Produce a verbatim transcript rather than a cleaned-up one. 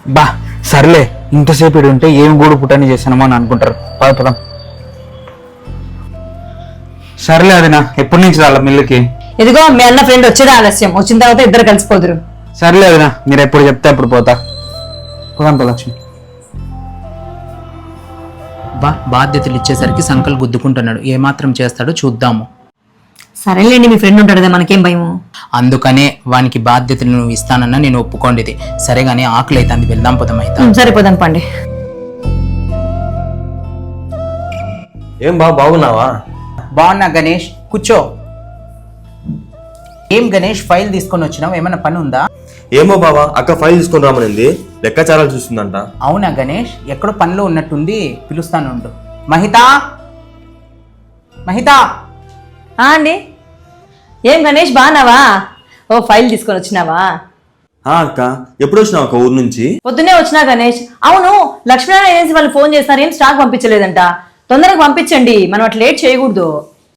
బా సర్లే, ఇంతసేపు ఇడు ఉంటే ఏం గూడు పుట్టని చేసానమో అని అనుకుంటారు. పద పదం. సర్లే అదినా, ఎప్పటి నుంచి రాళ్ళ మిల్లుకి? ఇదిగో మీ అన్న ఫ్రెండ్ వచ్చేది ఆలస్యం, వచ్చిన తర్వాత ఇద్దరు కలిసిపోదురు. సర్లే అదినా, మీరు ఎప్పుడు చెప్తే అప్పుడు పోతా. పోదాం లక్ష్మి. బా బాధ్యతలు ఇచ్చేసరికి సంకల్ గుద్దుకుంటున్నాడు. ఏమాత్రం చేస్తాడో చూద్దాము. సరేలేండి, మీ ఫ్రెండ్ ఉంటాడు కదా, మనకేం భయము. అందుకనే వానికి బాధ్యతలు నువ్వు ఇస్తానన్నా నేను ఒప్పుకోండిది. సరే గానీ ఆకలి అయితే అంది, వెళ్దాం పోదాం అయితే. సరిపోదాం పండి. ఏం బా బాగున్నావా? బాగున్నా గణేష్, కూర్చో. ఏం గణేష్ ఫైల్ తీసుకొని వచ్చినావు, ఏమైనా పని ఉందా? ఏమో బావా, అక్క ఫైల్ తీసుకొని రామనింది, లెక్కాచారాలు చూస్తుందంట. అవునా గణేష్, ఎక్కడో పనిలో ఉన్నట్టుంది, పిలుస్తాను ఉండు. మహిత, మహిత. అండి, ఏం గణేష్ బాగున్నావా? ఓ ఫైల్ తీసుకొని వచ్చినావా? అక్క ఎప్పుడు వచ్చినావు అక్క ఊరు నుంచి? పొద్దునే వచ్చినా గణేష్. అవును, లక్ష్మీనారాయణ ఏజెన్సీ వాళ్ళు ఫోన్ చేస్తారు, ఏం స్టాక్ పంపించలేదంట. తొందరగా పంపించండి, మనం అట్లా లేట్ చేయకూడదు.